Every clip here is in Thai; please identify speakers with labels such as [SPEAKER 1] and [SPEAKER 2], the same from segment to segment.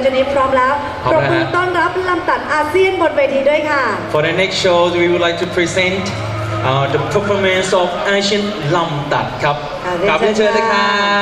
[SPEAKER 1] ชนิดพร้อมแล้วปรบมือต้อนรับลำตัดอาเซียนบนเวทีด้วยค่ะ
[SPEAKER 2] For the next show we would like to present the performance of Asian ลำตัดครับกลับเรียนเชิญเลยครับ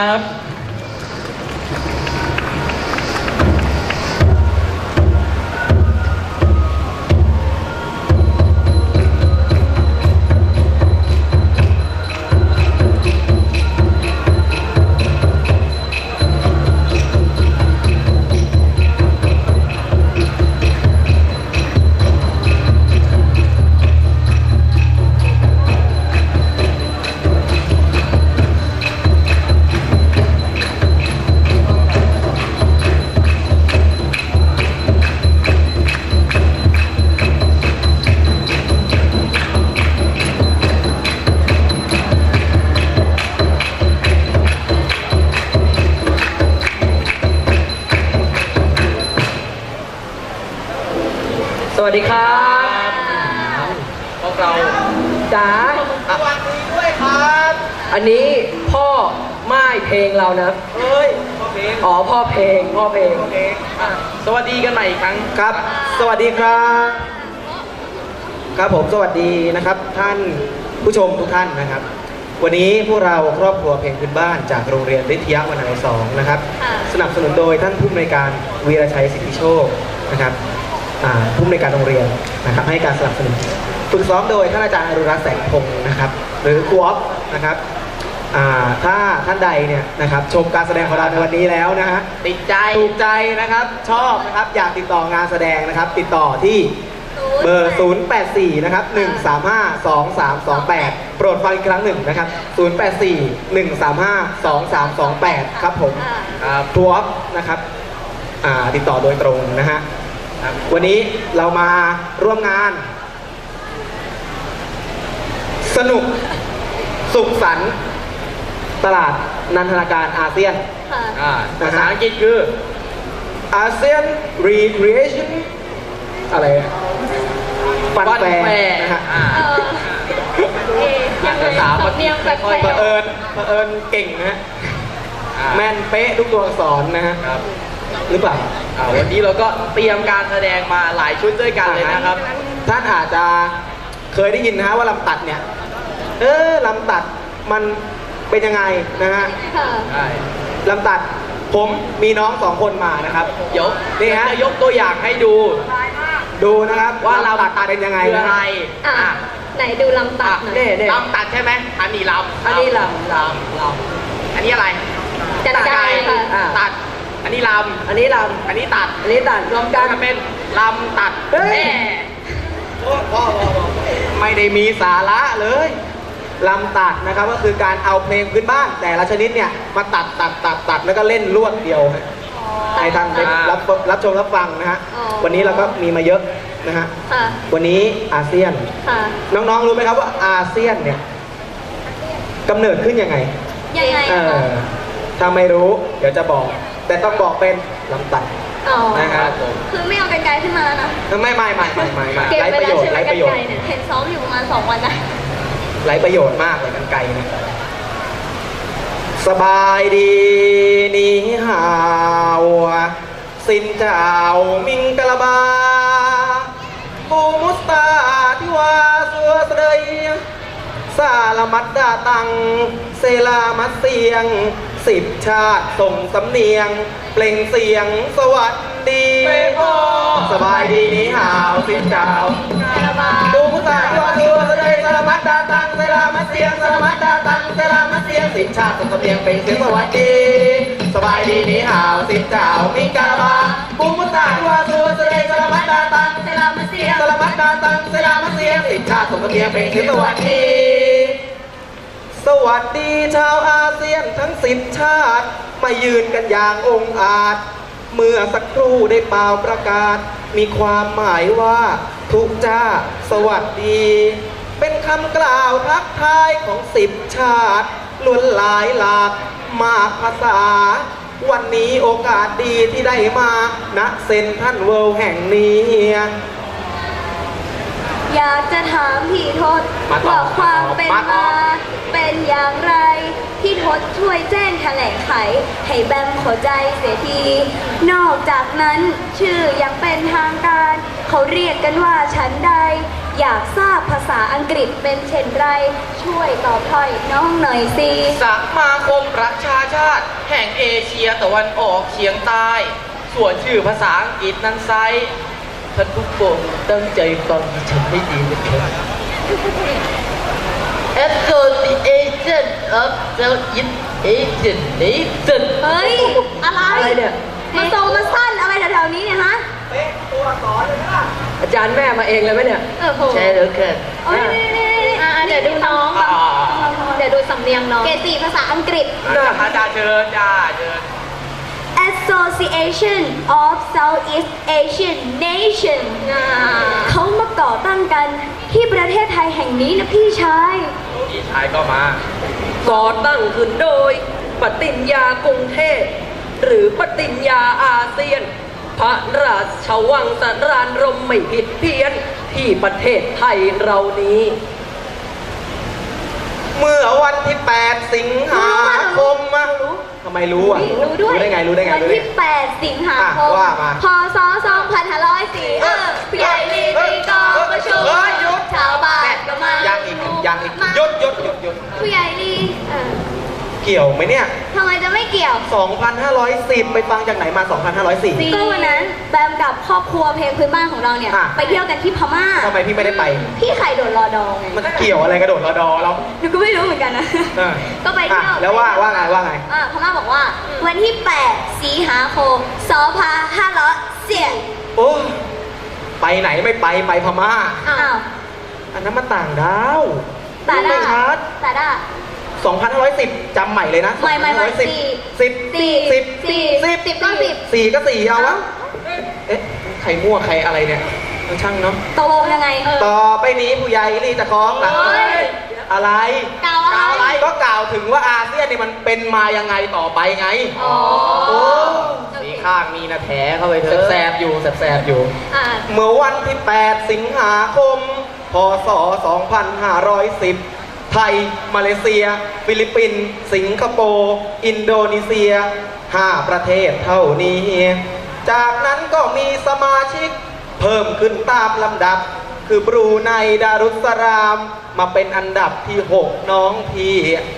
[SPEAKER 3] สวัสดีครับพวกเราจ๋าสวัสดีด้วยครับอันนี้พ่อม่ายเพลงเรานะเอ้ยพ่อเพลงอ๋อพ่อเพลงสวัสดีกันใหม่อีกครั้งครับสวัสดีครับครับผมสวัสดีนะครับท่านผู้ชมทุกท่านนะครับวันนี้พวกเราครอบครัวเพลงพื้นบ้านจากโรงเรียนวิทยาวนัย2นะครับสนับสนุนโดยท่านผู้อำนวยการวีรชัยสิทธิโชคนะครับผู้อำนวยการโรงเรียนนะครับให้การสนับสนุนฝึกซ้อมโดยท่านอาจารย์อรุรักษ์แสงพงศ์นะครับหรือครูอ๊อฟนะครับถ้าท่านใดเนี่ยนะครับชมการแสดงของเราในวันนี้แล้วนะฮะติดใจถูกใจนะครับชอบนะครับอยากติดต่องานแสดงนะครับติดต่อที่เบอร์ 084 นะครับ 135-2328 โปรดฟังอีกครั้งหนึ่งนะครับ 084-135-2328 ครับผมครูอ๊อฟนะครับติดต่อโดยตรงนะฮะวันนี้เรามาร่วมงานสนุกสุขสันต์ตลาดนันทนาการอาเซียนภาษาอังกฤษคืออาเซียน Recreation อะไรฟันแฟร์นะฮะภาษาเผอิญเก่งนะฮะแม่นเป๊ะทุกตัวอักษรนะฮะหรือเปล่าวันนี้เราก็เตรียมการแสดงมาหลายชุดด้วยกันเลยนะครับท่านอาจจะเคยได้ยินนะฮะว่าลำตัดเนี่ยลำตัดมันเป็นยังไงนะฮะลำตัดผมมีน้อง2 คนมานะครับนี่ฮะยกตัวอย่างให้ดูนะครับว่าลำตัดเป็นยังไงนะ
[SPEAKER 1] ไหนดูลำตัด
[SPEAKER 3] ลำตัดใช่ไหมอันนี้ลำอันนี้อะไร
[SPEAKER 1] จัดใจค่ะ
[SPEAKER 3] ตัดอันนี้ลำอันนี้ตัดรวมกันเป็นลำตัดไม่ได้มีสาระเลยลำตัดนะครับก็คือการเอาเพลงพื้นบ้านแต่ละชนิดเนี่ยมาตัดแล้วก็เล่นรวดเดียวให้ท่านได้รับชมรับฟังนะฮะวันนี้เราก็มีมาเยอะนะฮะวันนี้อาเซียนน้องๆรู้ไหมครับว่าอาเซียนเนี่ยกำเนิดขึ้นยังไงถ้าไม่รู้เดี๋ยวจะบอกแต่ต้องบอกเป็นลำตัดนะครับ
[SPEAKER 1] คือไม่เอาไกลๆขึ้นมาแล้วนะ
[SPEAKER 3] ไม่ไร้ประโยชน์
[SPEAKER 1] เห็นซ้อมอยู่ประมาณ2 วันนะ
[SPEAKER 3] ไร้ประโยชน์มากเลยกันไกลนะสบายดีนี่ฮาวสินเจ้ามิงกะลาบากูมุสตาที่ว่าสัวเสดยซาลามัดดาตังเซลามัดเสียง10 ชาติส่งสำเนียงเปล่งเสียงสวัสดีสบายดีนี่ฮาวสินเจ้ากูมุสตาที่ว่าสัวเสดยซาลามัดดาตังเซลามัดเสียงซาลามัดดาตังเซลามัดเสียง10 ชาติส่งสำเนียงเปล่งเสียงสวัสดีสบายดีนี่ฮาวสินเจ้ามิงกะลาบากูมุสตาที่ว่าสัวเสดยซาลามัดดาตังเซลามัดเสียงซาลามัดดาตังเซลามัดเสียง10 ชาติส่งสำเนียงเปล่งเสียงสวัสดีสวัสดีชาวอาเซียนทั้ง10 ชาติมายืนกันอย่างองอาจเมื่อสักครู่ได้เป่าประกาศมีความหมายว่าทุกจ้าสวัสดีเป็นคำกล่าวทักทายของ10 ชาติล้วนหลายหลากมากภาษาวันนี้โอกาสดีที่ได้มาณเซ็นทรัลเวิลด์แห่งนี้
[SPEAKER 4] อยากจะถามพี่ทศ
[SPEAKER 3] มาต่อ
[SPEAKER 4] ว่าความเป็น
[SPEAKER 3] มาต่อ
[SPEAKER 4] มาเป็นอย่างไร พี่ทศช่วยแจ้งแถลงไข ให้แบมเข้าใจเสียที นอกจากนั้นชื่อยังเป็นทางการ เขาเรียกกันว่าฉันใด อยากทราบภาษาอังกฤษเป็นเช่นไร ช่วยตอบถ้อยน้องหน่อยสิ
[SPEAKER 5] สมาคมประชาชาติ แห่งเอเชียตะวันออกเฉียงใต้ ส่วนชื่อภาษาอังกฤษนั้นไซท่านผู้ชมตั้งใจฟังดิฉันให้ดีนะครับ Association of Southeast Asian Nation
[SPEAKER 4] เฮ้ย อะไร
[SPEAKER 5] อะไรเนี่ย
[SPEAKER 4] มาโตมาสั้นอะไรแถวๆนี้เนี่ยฮะ
[SPEAKER 3] เป๊ะตัวสอนเลยนะ
[SPEAKER 5] อาจารย์แม่มาเองเลยไหมเนี่ย
[SPEAKER 4] โห
[SPEAKER 5] ใช่แล้วค่ะ
[SPEAKER 4] โอ้ยเดี๋ยวดูน้อง เดี๋ยวดูสำเนียงน้อง เกรด4ภาษาอังกฤษ
[SPEAKER 5] อาจารย์เชิญจ้าเชิญ
[SPEAKER 4] Association of Southeast Asian Nation เขามาก่อตั้งกันที่ประเทศไทยแห่งนี้นะพี่ชาย
[SPEAKER 5] พี่ชายก็มา
[SPEAKER 6] ก่อตั้งขึ้นโดยปฏิญญากรุงเทพหรือปฏิญญาอาเซียน พระราชวังสรานรมไม่ผิดเพี้ยนที่ประเทศไทยเรานี้
[SPEAKER 3] เมื่อวันที่ 8 สิงหาคมอะทำไมรู้อ่ะ
[SPEAKER 4] รู้ด้วย
[SPEAKER 3] ได้ไงรู้ได้ไง
[SPEAKER 4] วัน
[SPEAKER 3] รู้ได้
[SPEAKER 4] ที่
[SPEAKER 3] ไง
[SPEAKER 4] 8 สิงหาคม
[SPEAKER 3] ว่ามา
[SPEAKER 4] พศ 2504ผู้ใหญ่ลีตีกองประชุม
[SPEAKER 3] เฮ้ยหยุด
[SPEAKER 4] ชาวบ้านก็มา
[SPEAKER 3] ยังอีกหยุด
[SPEAKER 4] ผู้ใหญ่ลี
[SPEAKER 3] เกี่ยวไหมเนี่ย
[SPEAKER 4] ทำไมจะไม่เกี่ยว
[SPEAKER 3] 2,510 ไปฟังจากไหนมา 2,504
[SPEAKER 4] ก็วันนั้นแบมกับครอบครัวเพลงพื้นบ้านของเราเนี่ย
[SPEAKER 3] อ่ะ
[SPEAKER 4] ไปเที่ยวกันที่พม่า
[SPEAKER 3] ทำไมพี่ไม่ได้ไป
[SPEAKER 4] พี่ไข่โดดรอดองไง
[SPEAKER 3] มันเกี่ยวอะไรกระโดดรอดอเรา
[SPEAKER 4] หนูก็ไม่รู้เหมือนกันนะ
[SPEAKER 3] เออ
[SPEAKER 4] ก็ไปเที่ยว
[SPEAKER 3] แล้วว่าไง
[SPEAKER 4] พม่าบอกว่า วันที่ 8 สิงหาคม 2504
[SPEAKER 3] โอ้ไปไหนไม่ไปพม่า
[SPEAKER 4] อ้าว
[SPEAKER 3] อันนั้นมันต่างดาว
[SPEAKER 4] ตา
[SPEAKER 3] ไม่
[SPEAKER 4] ด้า
[SPEAKER 3] ชัด
[SPEAKER 4] ตาด้า
[SPEAKER 3] 2,510 จำใหม่เลยนะ
[SPEAKER 4] ไม่
[SPEAKER 3] 2,510
[SPEAKER 4] สี่ 10ก็10
[SPEAKER 3] 4ก็4เอาวะ เอ๊ะ ใครมั่วใครอะไรเนี่ยช่างเนาะ
[SPEAKER 4] ตกลงยังไง
[SPEAKER 3] ต่อไปนี้ผู้ใหญ่รีจะคล้องหลัง
[SPEAKER 4] เฮ้ย
[SPEAKER 3] อะไร
[SPEAKER 4] กล่าวอะไร
[SPEAKER 3] ก็กล่าวถึงว่าอาเซียนเนี่ยมันเป็นมายังไงต่อไปไง
[SPEAKER 4] อ๋อ
[SPEAKER 3] โอ้
[SPEAKER 5] มีข้างมีนะแผลเข้าไปเถอะ
[SPEAKER 3] แสบๆอยู่แสบๆอยู่
[SPEAKER 4] อ่า
[SPEAKER 3] เมื่อวันที่ 8 สิงหาคม พศ 2510 ไทย มาเลเซีย ฟิลิปปินส์ สิงคโปร์ อินโดนีเซีย 5 ประเทศเท่านี้ จากนั้นก็มีสมาชิกเพิ่มขึ้นตามลำดับ คือบรูไน ดารุสสลาม มาเป็นอันดับที่ 6 น้องพี่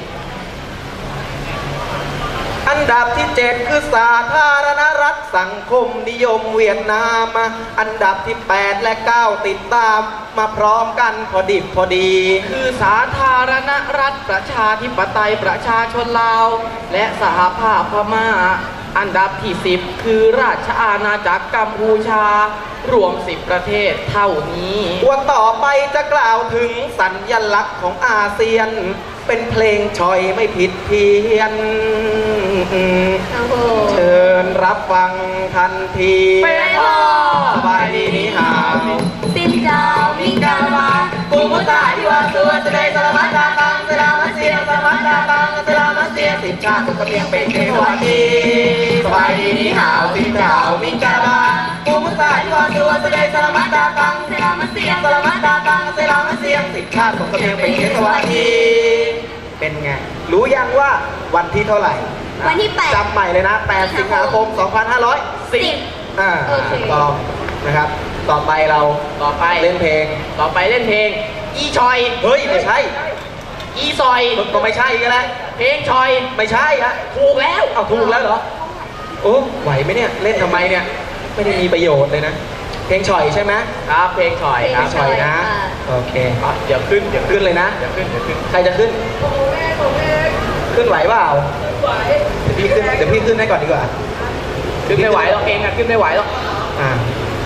[SPEAKER 3] อันดับที่ 7 คือสาธารณรัฐสังคมนิยมเวียดนาม อันดับที่ 8 และ 9 ติดตาม มาพร้อมกันพอดิบพอดี
[SPEAKER 5] คือสาธารณรัฐประชาธิปไตยประชาชนลาว และสหภาพพม่า อันดับที่ 10 คือราชอาณาจักรกัมพูชา รวม 10 ประเทศเท่านี้
[SPEAKER 3] วันต่อไปจะกล่าวถึงสัญลักษณ์ของอาเซียน เป็นเพลงชอยไม่ผิดเพี้ยน
[SPEAKER 4] โอ้โห
[SPEAKER 3] เชิญรับฟังทันที
[SPEAKER 4] ไปพอ
[SPEAKER 3] สบายดีนี่หาว
[SPEAKER 4] สินเจ้ามิงกาลามา
[SPEAKER 3] กูมุตาที่ว่าตัวจะได้สลามัดดาตังสลามัดเสียสลามัดดาตังสลามัดเสียสิบชาติทุกเพียงเป็นเทวาทีสบายดีนี่หาวสินเจ้ามิงกาลากูมุตาที่ว่าตัวจะได้สลามัดดาตัง
[SPEAKER 4] เซรามาเซีย
[SPEAKER 3] สลามัดดาตังสลามัดเสียสิบชาติทุกเพียงเป็นเทวาทีเป็นไง รู้ยังว่าวันที่เท่าไหร่
[SPEAKER 4] วันที่ 8
[SPEAKER 3] จำใหม่เลยนะ 8 สิงหาคม 2510
[SPEAKER 4] โอเค
[SPEAKER 3] ถูกต้องนะครับ ต่อไปเรา
[SPEAKER 5] ต่อไป
[SPEAKER 3] เล่นเพลง
[SPEAKER 5] ต่อไปเล่นเพลง อีชอย
[SPEAKER 3] เฮ้ย ไม่ใช่
[SPEAKER 5] อีซอย
[SPEAKER 3] ก็ไม่ใช่ก็แล้ว
[SPEAKER 5] เพลงชอย
[SPEAKER 3] ไม่ใช่ฮะ
[SPEAKER 5] ถูกแล้ว
[SPEAKER 3] เอาถูกแล้วเหรอ โอ้ไหวไหมเนี่ย เล่นทำไมเนี่ย ไม่ได้มีประโยชน์เลยนะ เพลงฉ่อยใช่ไหม
[SPEAKER 5] ครับเพลงชอย
[SPEAKER 3] เพ
[SPEAKER 5] ค
[SPEAKER 3] ล
[SPEAKER 5] รับ
[SPEAKER 3] งฉ่อยนะ โอเค
[SPEAKER 5] เดี๋ยวขึ้น
[SPEAKER 3] ขึ้นเลยนะ
[SPEAKER 5] เดี๋ยวขึ้น
[SPEAKER 3] ใครจะขึ้น ขึ้นไหวเปล่าเดี๋ยวพี่ขึ้นให้ก่อนดีกว่า
[SPEAKER 5] ขึ้นไม่ไหวหรอกเองอะขึ้นไม่ไหวหรอก
[SPEAKER 3] อ่า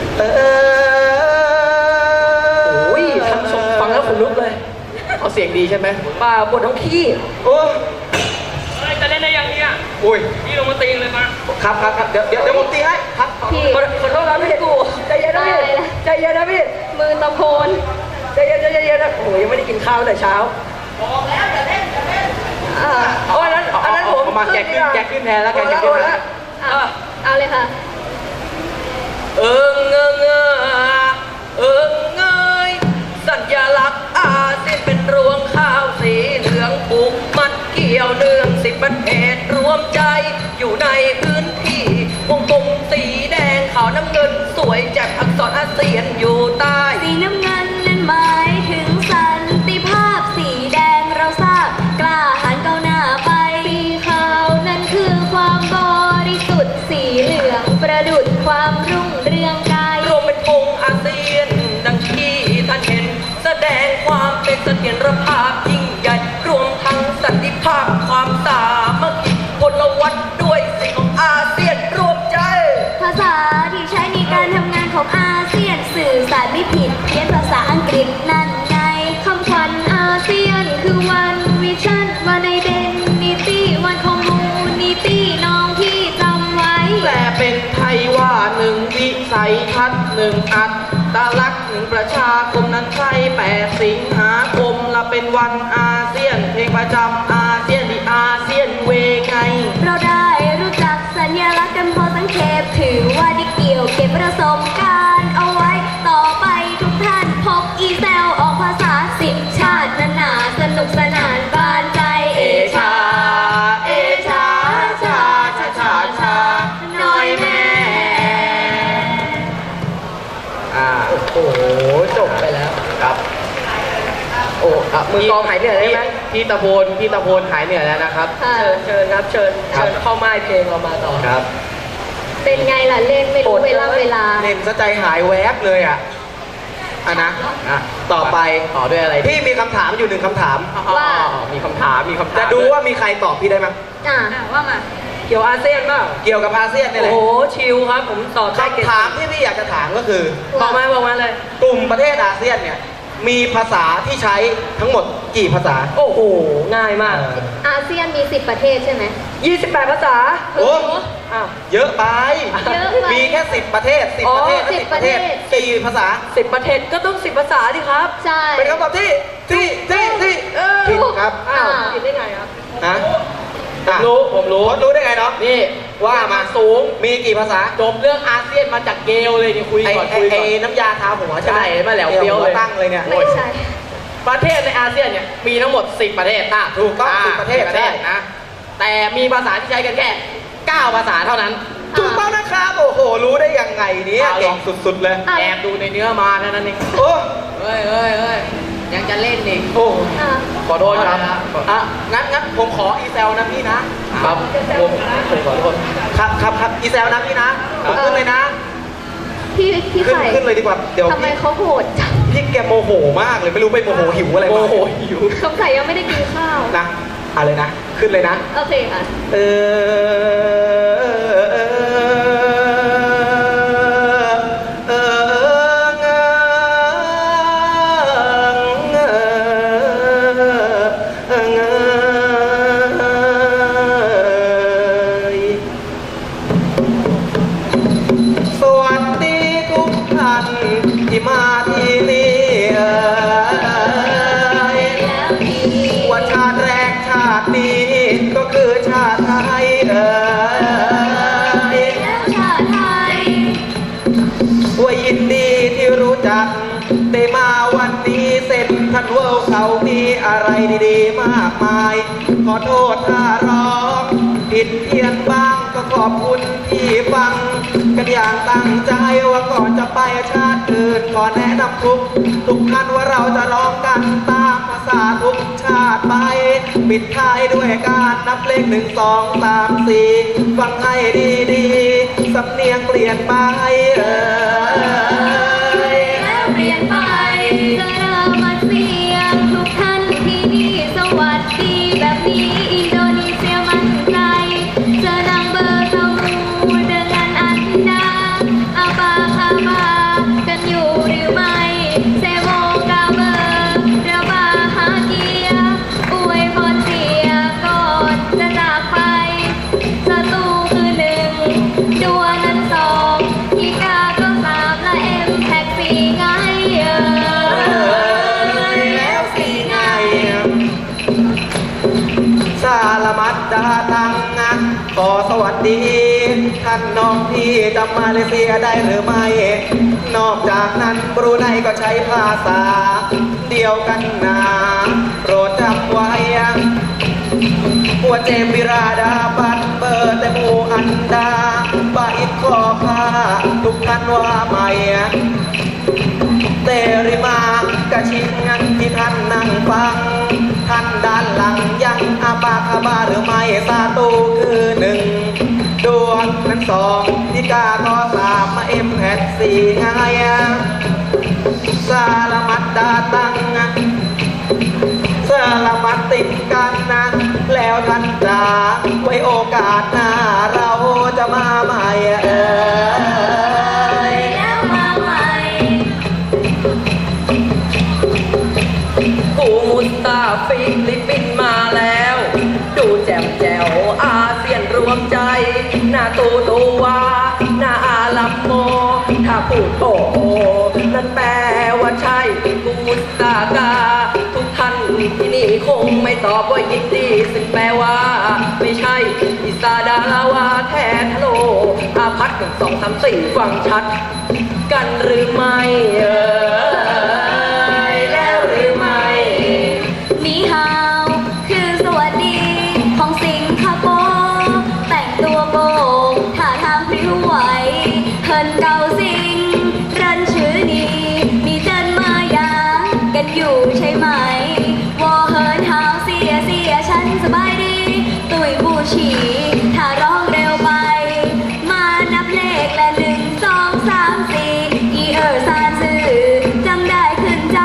[SPEAKER 6] โอ้ยทั้งสองฟังแล้วขนลุกเลย
[SPEAKER 5] เอาเสียงดีใช่ไหม
[SPEAKER 6] ป่าปวดท้องขี้
[SPEAKER 3] โอ้
[SPEAKER 5] จะเล่นได้ยังเนี่ย
[SPEAKER 3] อุ้ย
[SPEAKER 5] พี่ลงมาตีเลยมา
[SPEAKER 3] ครับเดี๋ยวผมตีให้ครับ
[SPEAKER 4] พี่
[SPEAKER 6] ขอโทษนะพี่กูใจเย็นนะพี่ใจเย็นนะพี่
[SPEAKER 4] มือตะโพน
[SPEAKER 6] ใจเย็นนะโอ้ยยังไม่ได้กินข้าวแต่เช้าเอาอันนั้นผม
[SPEAKER 5] เอามาแกขึ้นแทนแล้วกันแกขึ้นแทนแล้ว
[SPEAKER 4] เอาเลยค่ะ
[SPEAKER 5] เงย 1 อัตลักษณ์1 ประชาคมนั้นใช่8 สิงหาคมละเป็นวันอาเซียนเพลงประจำอาเซียนที่อาเซียนเวไง
[SPEAKER 4] เราได้รู้จักสัญลักษณ์กันพอสังเขปถือว่าได้เกี่ยวเก็บประสบการณ์เอาไว้ต่อไปทุกท่านพบอีแซลออกภาษา10 ชาตินานาสนุกสนานบานใจเอชา
[SPEAKER 5] เอชาชาชาชาชา
[SPEAKER 4] น้อยแม่
[SPEAKER 3] โอ้โหจบไปแล้วครับ
[SPEAKER 5] โอ้ครับ
[SPEAKER 6] มือกลองหายเหนื่อยได้ไหม
[SPEAKER 5] พี่ตะโพนหายเหนื่อยแล้วนะครับ
[SPEAKER 4] ค่ะ
[SPEAKER 6] เชิญครับเชิญเข้าไม้เพลงเรามาต่อ
[SPEAKER 3] ครับ
[SPEAKER 4] เป็นไงล่ะเล่นไม่รู้เวลา
[SPEAKER 3] เล่นซะใจหายแวบเลยอ่ะนะต่อไป
[SPEAKER 5] ต่อด้วยอะไร
[SPEAKER 3] พี่มีคำถามอยู่1 คำถาม
[SPEAKER 4] ว่า
[SPEAKER 5] มีคำถาม
[SPEAKER 3] จะดูว่ามีใครตอบพี่ได้มั้ย
[SPEAKER 4] ว่ามา
[SPEAKER 6] เกี่ยวอาเซียนเปล่า
[SPEAKER 3] เกี่ยวกับอาเซียนนี่แห
[SPEAKER 6] โอ้
[SPEAKER 3] ละ
[SPEAKER 6] โหชิลครับผมตอบได้เก่ง
[SPEAKER 3] คำถามที่พี่อยากจะถามก็คือ
[SPEAKER 6] บอกมาเลย
[SPEAKER 3] กลุ่มประเทศอาเซียนเนี่ยมีภาษาที่ใช้ทั้งหมดกี่ภาษา
[SPEAKER 6] โอ้โห ง่ายมาก
[SPEAKER 4] อาเซียนมี10 ประเทศใช่ไหม
[SPEAKER 6] 28 ภาษา
[SPEAKER 3] โอ้
[SPEAKER 6] อ้าว
[SPEAKER 3] เยอะไป
[SPEAKER 4] เยอะไป
[SPEAKER 3] มีแค่10 ประเทศ10 ประเทศและ
[SPEAKER 4] 10
[SPEAKER 3] 10 ประเทศ
[SPEAKER 4] ประเทศ
[SPEAKER 3] กี่ภาษา
[SPEAKER 6] 10 ประเทศก็ต้อง 10 ภาษาดิครับ
[SPEAKER 4] ใช่
[SPEAKER 3] เป็นคำตอบที่ผิดครับ
[SPEAKER 6] อ้าวผิดได้ไงครับ
[SPEAKER 3] นะ
[SPEAKER 5] ผมรู้
[SPEAKER 3] รู้ได้ไงเนาะ
[SPEAKER 5] นี่
[SPEAKER 3] ว่ามา
[SPEAKER 5] สูง
[SPEAKER 3] มีกี่ภาษา
[SPEAKER 5] จบเรื่องอาเซียนมาจากเกลเลยนี่คุยก่อน
[SPEAKER 3] ไอ้น้ำยาทาหัวใช่ไหม
[SPEAKER 5] ใช่มาแล้วเปรี้ยวเลย
[SPEAKER 3] ตั้งเลยเนี่ย
[SPEAKER 4] ไม่ใช่
[SPEAKER 5] ประเทศในอาเซียนเนี่ยมีทั้งหมด10 ประเทศ
[SPEAKER 3] ถูกต้อง10 ประเทศ
[SPEAKER 5] 10 ประเทศนะ แต่มีภาษาที่ใช้กันแค่ 9 ภาษาเท่านั้น
[SPEAKER 3] ถูกต้องนะครับ โอ้โห รู้ได้ยังไงเนี่ย
[SPEAKER 5] เอาล
[SPEAKER 3] เก่
[SPEAKER 5] อง
[SPEAKER 3] งสุดๆเลย
[SPEAKER 5] แอบดูในเนื้อมาเท่านั้นเอง
[SPEAKER 3] โอ้
[SPEAKER 5] เฮ้ยยังจะเล่นอีก
[SPEAKER 3] โอ้
[SPEAKER 4] อ่ะ
[SPEAKER 3] ขอโทษครับอ่ะงั้นผมขออีเซลนะพี่นะครับ
[SPEAKER 5] ผมขอโทษ
[SPEAKER 3] ครับอีเซลนะพี่นะผมขึ้นเลยนะ
[SPEAKER 4] พี่
[SPEAKER 3] ขึ้น
[SPEAKER 4] ไข่
[SPEAKER 3] ขึ้นเลยดีกว่าเดี๋ยว
[SPEAKER 4] ทำไม
[SPEAKER 3] พี่
[SPEAKER 4] เขาโหดจัง
[SPEAKER 3] พี่แกโมโหมากเลยไม่รู้ไปโมโหหิวอะไร
[SPEAKER 5] โม
[SPEAKER 3] มา
[SPEAKER 5] โหหิว
[SPEAKER 4] สงสัยยังไม่ได้กินข้าว
[SPEAKER 3] นะอะไรนะ ขึ้นเลยนะ
[SPEAKER 4] โอเคค่ะ
[SPEAKER 3] เอสวัสดีทุกท่านที่มาที่นี่ว่าชาติแรกชาตินี้ก็คือชาติไทย
[SPEAKER 4] ชาติไทย
[SPEAKER 3] ว่ายินดีที่รู้จักได้มาวันนี้เซ็นทรัลเวิลด์เขามีอะไรดีๆมากมาย ขอโทษถ้าร้องผิดเพี้ยนบ้างก็ขอบคุณที่ฟังกันอย่างตั้งใจว่าก่อนจะไปชาติอื่นขอแนะนำทุกท่านว่าเราจะร้องกันตามภาษาทุกชาติไปปิดท้ายด้วยการนับเลข1 2 3 4ฟังให้ดีๆสำเนียงเปลี่ยนไป
[SPEAKER 4] แล้วเปลี่ยนไปจะเริ่มมาเสียงทุกท่านที่นี่สวัสดีแบบนี้อินโดนีเซียมั่นใจเจอดังเบอร์สมูเดินกันอันดาอาบาคาบากันอยู่หรือไม่เซโมกาเบอร์เรือบาฮาเกียอวยพรเสียก่อนจะจากไปศัตรูคือ1ดัวนั้น2อีกาก็3และแท็ก4ไง
[SPEAKER 3] แล้วสิไงสารมัดดาตังนะขอสวัสดีท่านน้องที่จำมาเลเซียได้หรือไม่ นอกจากนั้นบรูไนก็ใช้ภาษาเดียวกันนะโปรดจำไว้หัวเจมบิราดาบันเบอร์แต่มูอันดาบาอิดคอคาทุกท่านว่าไม่เตริมากระชิงงันที่ท่านนั่งฟังท่านด้านหลังยังอาบาคาบาหรือไม่ซาตูคือ1ดวงนั้น2ที่กาก็3มาแพท4ไงสารมัดดาตังสารมัดติดกันนะแล้วท่านจ๋าไว้โอกาสหน้าเราจะมาใหม่
[SPEAKER 4] แล้วมาใหม่
[SPEAKER 6] กูมุสตาฟิลิปปินส์มาแล้ว ดูแจ่มแจ๋วอาเซียนรวมใจหน้าตูวหน้าอาลัมโมถ้าพูดโอ้โหงไม่ตอบว่ายินดีซึ่งแปลว่าไม่ใช่อิสาดาราวาแทนฮัลโหลอาพัดหนึ่งสองสามสี่ฟังชัด กันหรือไม่แล้วหรือไม่
[SPEAKER 4] นีฮาวคือสวัสดีของสิงคโปร์แต่งตัวโกงท่าทางพริ้วไหวเฮินเกาสิงรันชื่อนี้มีเจนมาอย่างกันอยู่ใช่ไหมวอเฮินฮาวเสียฉันสบายดีตุยบูชีถ้าร้องเร็วไปมานับเลขและ1 2 3 4อีซานซื่อจำได้ขึ้นใจ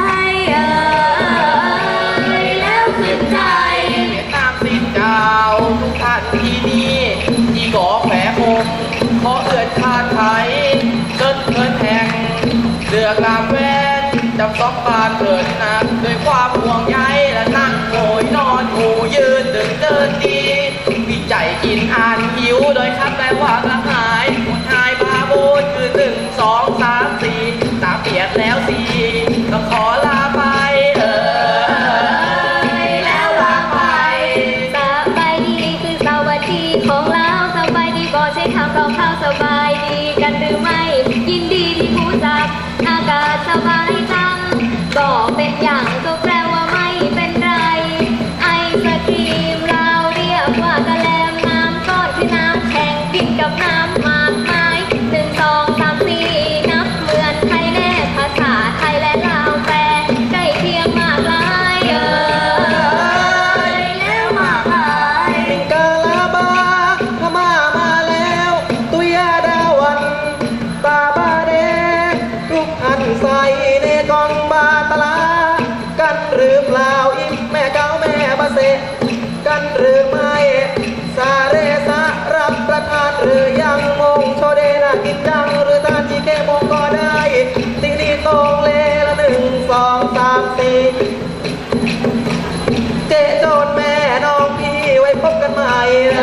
[SPEAKER 4] แล้วขึ้นใจ
[SPEAKER 5] เวียดนามสินเจ้าทุกท่านที่นี่ที่ก่อแฝงองค์ขอเอื้อนชาติไทยเกิดเงินแห่งเลือกลามแวนจำสองบานเถิดนักด้วยความห่วงใยและนั่งโอยนอนหูยืนดึงเดินดีวิจัยกินอ่านหิวโดยคำแปลว่ากระหายหดหายบาโบนคือ1 2 3 4ตาเปียดแล้วสิต้องขอลาไป
[SPEAKER 4] แล้วลาไปสบายดีคือสวัสดีของเราสบายดีก็ใช้คำรองเท้าสบายดีกันหรือไม่ยินดีที่รู้จักอากาศสบายจังก็เป็นอย่างก็แปลว่าไม่เป็นไรไอศครีมเราเรียกว่ากะแลมน้ำก้อนคือน้ำแข็งกินกับน้ำมากมาย1 2 3 4นับเหมือนไทยแน่ภาษาไทยและลาวแปลใกล้เคียงมากหลายแล้วมากหลาย
[SPEAKER 3] กาลาบาพม่ามาแล้วตุยาดาวันตาบาเดทุกท่านใส่ในกองบาตลากันหรือเปล่าอิมแม่เก้าแม่บาเซกันหรือไม่ซาเรสะรับประทานหรือยังมงโชเดนะกินจังหรือทานจีเกมงก็ได้ตินีตรงเลละ1 2 3 4เจโจนแม่น้องพี่ไว้พบกันใหม่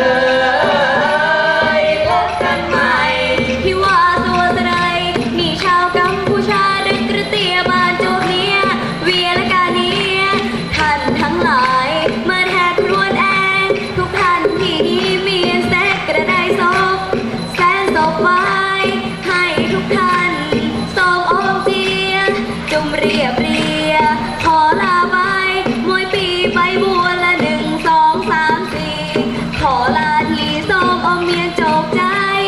[SPEAKER 4] พบกันใหม่ที่ว่าตัวสดายมีชาวกัมพูชาดึกกระเตียบานโจเนียเวียและกาเนียท่านทั้งหลายมาแทกครวนแองทุกท่านที่นี่มีแสกกระไดศพแสนศพไว้ให้ทุกท่านสององค์เจียจุมเรียบเรียขอลาไปมวยปีไปบัวละ1 2 3 4ขอลาที่สององค์เมียจบใจ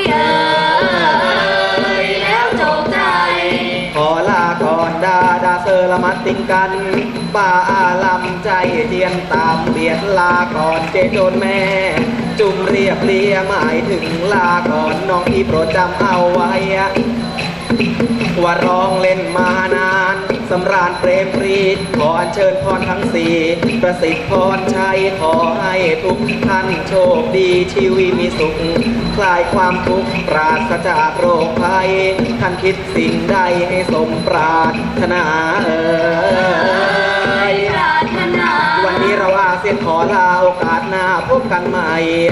[SPEAKER 4] แล้วจบใจ
[SPEAKER 3] ขอลาก่อนดาเซอร์ละมัดติงกันป่าอาลำใจเจียนตามเบียดลาก่อนเจโจนแม่ จุ่มเรียบเรียหมายถึงลาก่อนน้องพี่โปรดจำเอาไว้ว่าร้องเล่นมานานสำราญเปรมปรีดขออัญเชิญพรทั้งสี่ประสิทธิ์พรชัยขอให้ทุกท่านโชคดีชีวิตมีสุขคลายความทุกข์ปราศจากโรคภัยท่านคิดสิ่งใดให้สมปรารถนาวันนี้เราอาเซียนขอลาโอกาสหน้าพบกันใหม่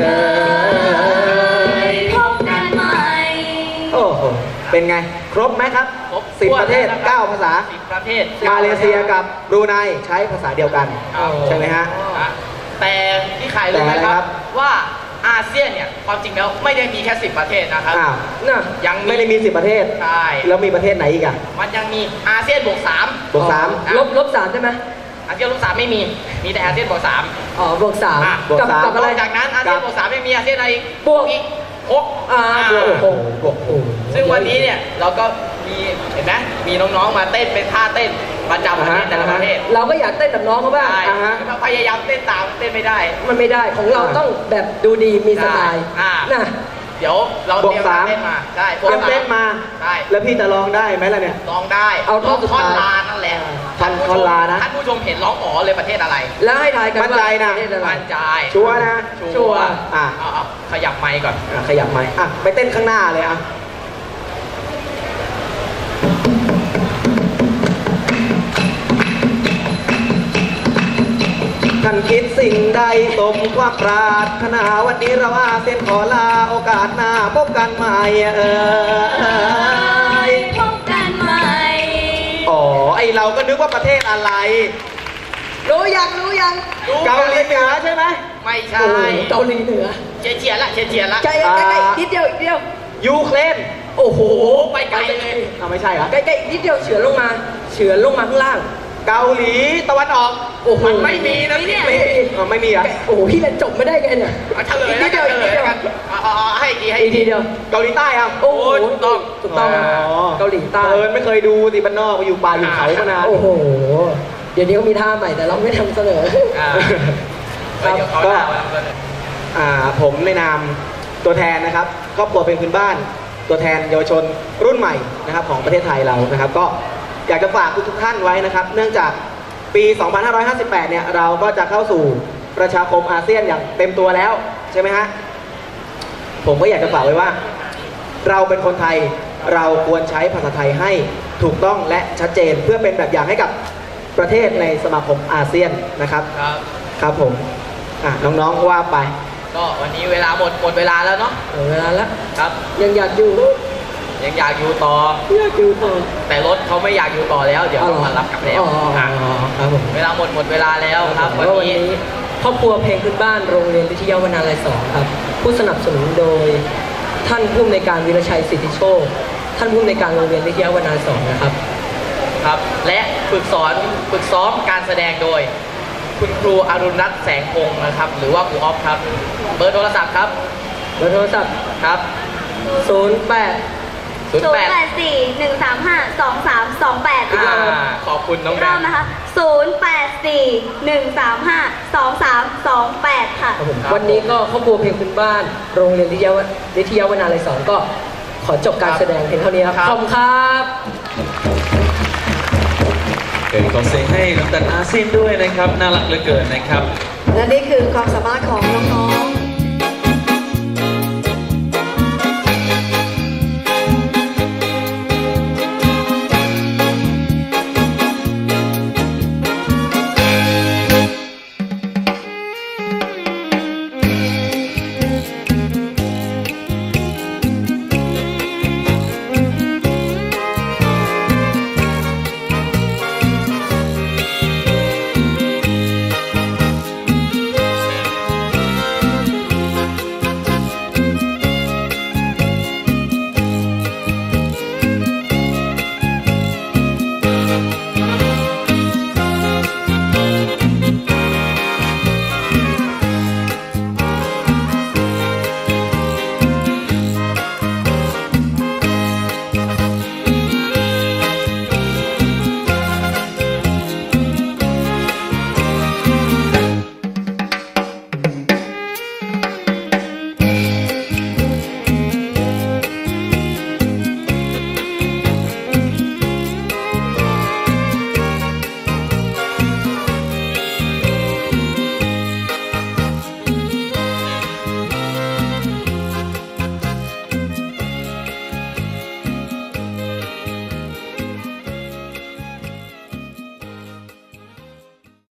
[SPEAKER 4] พบกันใหม่
[SPEAKER 3] โอ้โหเป็นไงครบไหมครับ
[SPEAKER 5] ครบ
[SPEAKER 3] 10 ประเทศ 9 ภาษา
[SPEAKER 5] 10 ประเทศ
[SPEAKER 3] มาเลเซียกับบรูไนใช้ภาษาเดียวกัน ใช่ไหมฮะ
[SPEAKER 5] แต่ที่ขายรู้ไหม
[SPEAKER 3] แต่อะไร
[SPEAKER 5] ค
[SPEAKER 3] ครั
[SPEAKER 5] รับ บว่าอาเซียนเนี่ยความจริงแล้วไม่ได้มีแค่10 ประเทศนะครับ
[SPEAKER 3] อ้าว
[SPEAKER 5] น่ะยัง
[SPEAKER 3] ไม่ได้มี 10 ประเทศ
[SPEAKER 5] ใช่
[SPEAKER 3] แล้วมีประเทศไหนอีกอะ
[SPEAKER 5] มันยังมีอาเซียนบวก3
[SPEAKER 3] บวก
[SPEAKER 6] ลบ3ใช่ไหม
[SPEAKER 5] อาเซียนลบ3ไม่มีมีแต่อาเซียนบวก3
[SPEAKER 6] อ๋อบวก3
[SPEAKER 3] บวก
[SPEAKER 6] กับ
[SPEAKER 3] 3
[SPEAKER 6] กับอะไร
[SPEAKER 5] จากนั้นอาเซียนบวก3ไม่มีอาเซียนอะไรอีก
[SPEAKER 6] บวก
[SPEAKER 5] อีก6
[SPEAKER 6] บวก
[SPEAKER 3] โอ้โหบวก
[SPEAKER 5] ซึ่งวันนี้เนี่ยเราก็มีเห็นไหมมีน้องๆมาเต้นเป็นท่าเต้นประจำประเทศแต่ละประเทศ
[SPEAKER 6] เราก็อยากเต้นแบบน้องเขาบ้าง
[SPEAKER 5] ใช่ถ้าพยายามเต้นตามเต้นไม่ได้
[SPEAKER 6] มันไม่ได้ของเราต้องแบบดูดีมีสไตล์
[SPEAKER 5] อ่า
[SPEAKER 6] นะ
[SPEAKER 5] เดี๋ยวเราเตรียมเต้นมาใช่
[SPEAKER 3] เตรียมเต้นมา
[SPEAKER 5] ใช่
[SPEAKER 3] แล้วพี่จะร้องได้ไหมล่ะเนี่ย
[SPEAKER 5] ร้องได้
[SPEAKER 6] เอาท่อนสุด
[SPEAKER 5] ท่อน
[SPEAKER 6] ท้าย
[SPEAKER 5] ลานั่นแหละ
[SPEAKER 3] ท่อนลานะ
[SPEAKER 5] ท่านผู้ชมเห็นร้องอ๋อเลยประเทศอะไร
[SPEAKER 6] แล้วให้ทายกัน
[SPEAKER 3] มั่นใจนะ
[SPEAKER 6] ว่าประเทศอะไร
[SPEAKER 5] มั่นใจ
[SPEAKER 3] ชัวร์นะ
[SPEAKER 5] ชัวร์
[SPEAKER 3] อ่ะ
[SPEAKER 5] เอาขยับไมค์ก่อน
[SPEAKER 3] ขยับไหมอ่ะไปเต้นข้างหน้าเลยอ่ะท่านคิดสิ่งใดสมความปรารถนาวันนี้เราอาเซียนขอลาโอกาสหน้าพบกันใหม่
[SPEAKER 4] พบกันใหม่
[SPEAKER 3] อ๋อไอเราก็นึกว่าประเทศอะไร
[SPEAKER 1] รู้ยังรู้ยัง
[SPEAKER 3] เกาหลีเหนือใช่ไหม
[SPEAKER 5] ไม่ใช่
[SPEAKER 1] เกาหลีเหนือ
[SPEAKER 5] เฉียดๆละเฉียดๆละ
[SPEAKER 1] ใกล้ใกล้นิดเดียวอีกเดียว
[SPEAKER 3] ยูเครน
[SPEAKER 1] โอ้โห
[SPEAKER 5] ไปไกลเลย
[SPEAKER 3] ไม่ใช่เหรอ
[SPEAKER 1] ใกล้ๆนิดเดียวเฉือนลงมาเฉือนลงมาข้างล่าง
[SPEAKER 3] เกาหลีตะวันออก
[SPEAKER 1] โอ้โห
[SPEAKER 5] มันไม่มีนะพี่
[SPEAKER 3] ไม่มีเหรอ
[SPEAKER 1] โอ้โหพี่เล่นจบไม่ได้ไงเนี่ย
[SPEAKER 5] เอาเฉลย
[SPEAKER 1] นิ
[SPEAKER 5] แล้ว
[SPEAKER 1] ดเดี
[SPEAKER 5] กั
[SPEAKER 1] ย
[SPEAKER 5] น
[SPEAKER 1] ว
[SPEAKER 5] เฉ
[SPEAKER 1] อีก
[SPEAKER 5] ล
[SPEAKER 1] นิด
[SPEAKER 5] ย
[SPEAKER 1] เดียว
[SPEAKER 5] กันให้อีกทีให้
[SPEAKER 1] อี
[SPEAKER 5] อี
[SPEAKER 1] ก
[SPEAKER 5] ก
[SPEAKER 1] ที
[SPEAKER 5] ที
[SPEAKER 1] เดียว
[SPEAKER 3] เกาหลีใต้อ่ะ
[SPEAKER 1] โอ้โห
[SPEAKER 5] ถูกต้อง
[SPEAKER 1] ถูกต้อง เกาหลีใต้
[SPEAKER 3] ไม่เคยดูสิบ้านนอกไปอยู่ป่าอยู่เขามานาน
[SPEAKER 1] โอ้โห เดี๋ยวนี้ก็มีท่าใหม่แต่เราไม่ทำเสนอ
[SPEAKER 5] อ่า
[SPEAKER 3] ครั
[SPEAKER 5] เดี๋ยวเขา
[SPEAKER 3] ก็
[SPEAKER 5] ด่ามาแล้วกัน
[SPEAKER 3] ผมในนามตัวแทนนะครับครอบครัวเป็นพื้นบ้าน ตัวแทนเยาวชนรุ่นใหม่นะครับของประเทศไทยเรานะครับ ก็อยากจะฝากทุกท่านไว้นะครับ เนื่องจากปี 2558 เนี่ยเราก็จะเข้าสู่ประชาคมอาเซียนอย่างเต็มตัวแล้วใช่ไหมฮะผมก็อยากจะฝากไว้ว่า เราเป็นคนไทยเราควรใช้ภาษาไทยให้ถูกต้องและชัดเจนเพื่อเป็นแบบอย่างให้กับประเทศในสมาคมอาเซียนนะครับ
[SPEAKER 5] ครับ
[SPEAKER 3] ครับผมน้องๆว่าไป
[SPEAKER 5] ก็วันนี้เวลาหมดเวลาแล้วเนาะ
[SPEAKER 1] เวลาแล้ว
[SPEAKER 5] ครับ
[SPEAKER 1] ยังอยากอยู่
[SPEAKER 5] ยังอยากอยู่ต่อ
[SPEAKER 1] อยากอยู่ต่อ
[SPEAKER 5] แต่รถเขาไม่อยากอยู่ต่อแล้ว เดี๋ยวเขามารับกลับแล้ว
[SPEAKER 1] อ๋อ
[SPEAKER 5] อ่ะ
[SPEAKER 1] ครับผม
[SPEAKER 5] เวลาหมดเวลาแล้วครับ
[SPEAKER 1] วันนี้ครอบครัวเพลงพื้นบ้านโรงเรียนวิทยาวนาลัย2ครับ ผู้สนับสนุนโดยท่านผู้อำนวยการวีรชัยสิทธิโชค ท่านผู้อำนวยการโรงเรียนวิทยาวนาลัย2นะครับ
[SPEAKER 5] ครับ และฝึกซ้อมการแสดงโดย คุณครูอรุณรัตน์แสงพงศ์นะครับ หรือว่าครูออฟครับ เบอร์โทรศัพท์ครับ
[SPEAKER 1] เบอร์โทรศัพท์
[SPEAKER 5] ครับ
[SPEAKER 1] 08
[SPEAKER 4] 0841352328
[SPEAKER 5] อ่าขอบคุณน้องแบ
[SPEAKER 4] เริ่ม
[SPEAKER 5] ม
[SPEAKER 4] นะคะ 0841352328 ค่ะ
[SPEAKER 1] ครับผม
[SPEAKER 5] ครับ
[SPEAKER 1] วันนี้ก็ครอบครัวเพลงพื้นบ้านโรงเรียนวิทยาวนาลัย2ก็ขอจบการแสดงเพียงเท่านี้ครับ
[SPEAKER 5] ครับ
[SPEAKER 1] ขอบคุณครับ
[SPEAKER 2] เกิดขอเสียงให้ลำตัดอาเซียนด้วยนะครับ น่ารักเหลือเกินนะครับ
[SPEAKER 1] และนี่คือความสามารถของน้องๆ